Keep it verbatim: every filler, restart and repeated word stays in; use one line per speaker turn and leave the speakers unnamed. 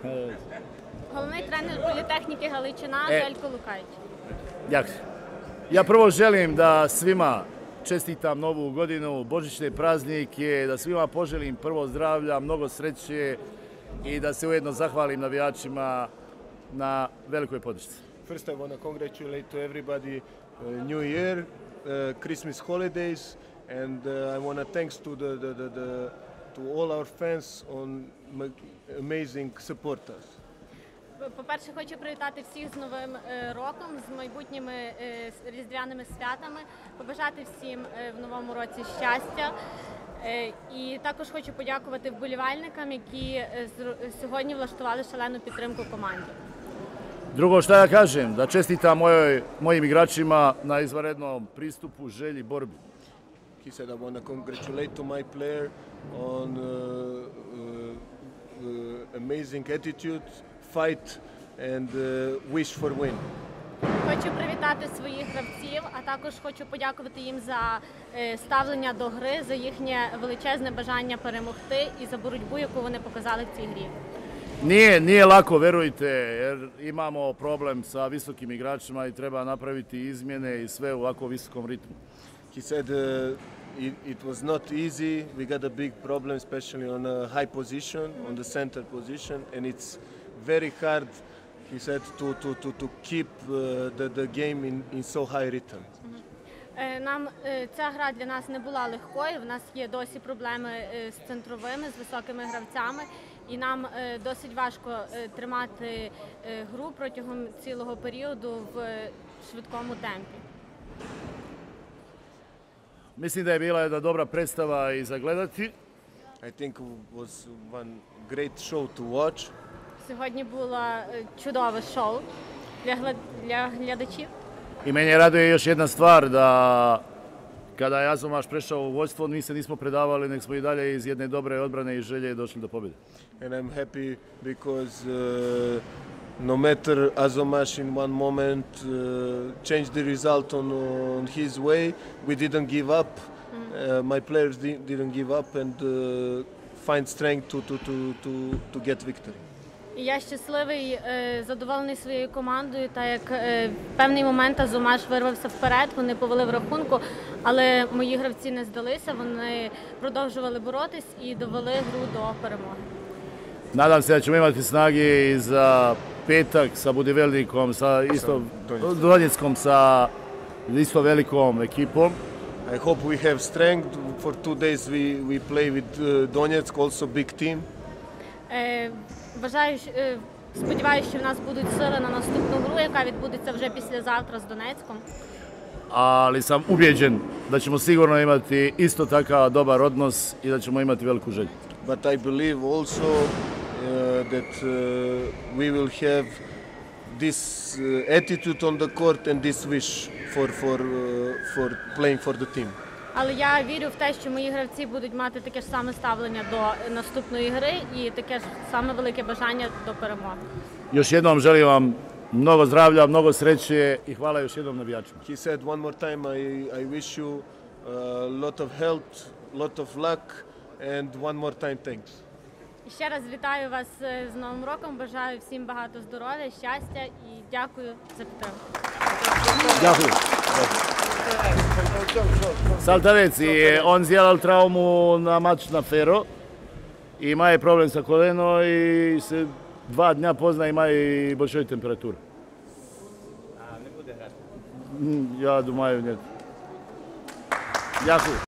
Головний тренер Політехніки Галичина
E.
Željko Lukajić.
Dakle, ja prvo želim da svima čestitam Novu godinu, božićne praznike, da svima poželim prvo zdravlja, mnogo sreće i da se ujedno zahvalim navijačima na velikoj podršci.
First, I want to congratulate to everybody uh, New Year, uh, Christmas holidays, and uh, I want to thanks to the, the, the, the to all our fans on amazing supporters.
По-перше, хочу привітати всіх з Новим е, роком, з майбутніми е, різдвяними святами, побажати всім е, в новому році щастя. Е, і також хочу подякувати вболівальникам, які е, з, сьогодні влаштували шалену підтримку команді.
Drugo što ja kažem, da čestitam mojoj, mojim igračima na izvanrednom pristupu, želji, borbi.
He said, I want to congratulate to my player on uh, uh, uh, amazing attitude, fight and uh, wish for win.
Хочу привітати своїх гравців, а також хочу подякувати їм за е, ставлення до гри, за їхнє величезне бажання перемогти і за боротьбу, яку вони показали в цій грі.
Nije, nije lako, verujte, jer imamo problem sa visokim igračima i treba napraviti izmjene i sve u ovako visokom ritmu.
He said uh, it, it was not easy. We got a big problem, especially on a high position, on the center position, and it's very hard, he said, to, to, to, to keep uh, the, the game in, in so high rhythm.
Е, Нам е, ця гра для нас не була легкою, в нас є досі проблеми е, з центровими, з високими гравцями, і нам е, досить важко е, тримати е, гру протягом цілого періоду в е, швидкому темпі.
Mislim da je bila jedna dobra predstava i za gledati.
I think it was one great show to watch.
Сьогодні було е, чудове шоу для, гла- для глядачів.
I meni raduje još jedna stvar, da kada je Azomaš prešao u vodstvo, mi se nismo predavali, nek smo i dalje iz jedne dobre odbrane i želje došli do pobjede.
And I'm happy because uh, no matter Azomaš in one moment uh, changed the result on, on his way, we didn't give up. Uh, my players di- didn't give up and uh, find strength to, to, to, to, to get victory.
І я щасливий, е, задоволений своєю командою, так як е, в певний момент Азомаш вирвався вперед, вони повели в рахунку, але мої гравці не здалися, вони продовжували боротись і довели гру до перемоги.
Nadam se da ćemo imati snage i za petak sa Budivelnikom, sa isto
Donjeckom.
Donjeckom, sa isto velikom ekipom.
I hope we have strength. For two days we, we play with uh, Donetsk, also big team.
Е, Бажаю, щ- е, сподіваюся, що в нас будуть сили на наступну гру, яка відбудеться вже післязавтра з Донецьком.
Ali sam ubijeđen da ćemo sigurno imati isto takav dobar odnos i da ćemo imati veliku želju.
But I believe also uh, that uh, we will have this uh, attitude on the court and this wish for, for, uh, for playing for the team.
Але я вірю в те, що мої гравці будуть мати таке ж саме ставлення до наступної гри і таке ж саме велике бажання до перемоги.
Još jednom želim vam mnogo zdravlja, mnogo sreće i hvala još jednom navijačima.
He said one more time, I, I wish you a lot of health, lot of luck and one more time thanks.
І ще раз вітаю вас е, з Новим роком, бажаю всім багато здоров'я, щастя і дякую за підтримку.
Дякую. Saltavec, i on zjelal traumu na mač na Fero. Ima je problem sa koleno i se dva dnja pozna, ima i большой температура. A ne bude hrati? Ja думаю, нет. Дякую.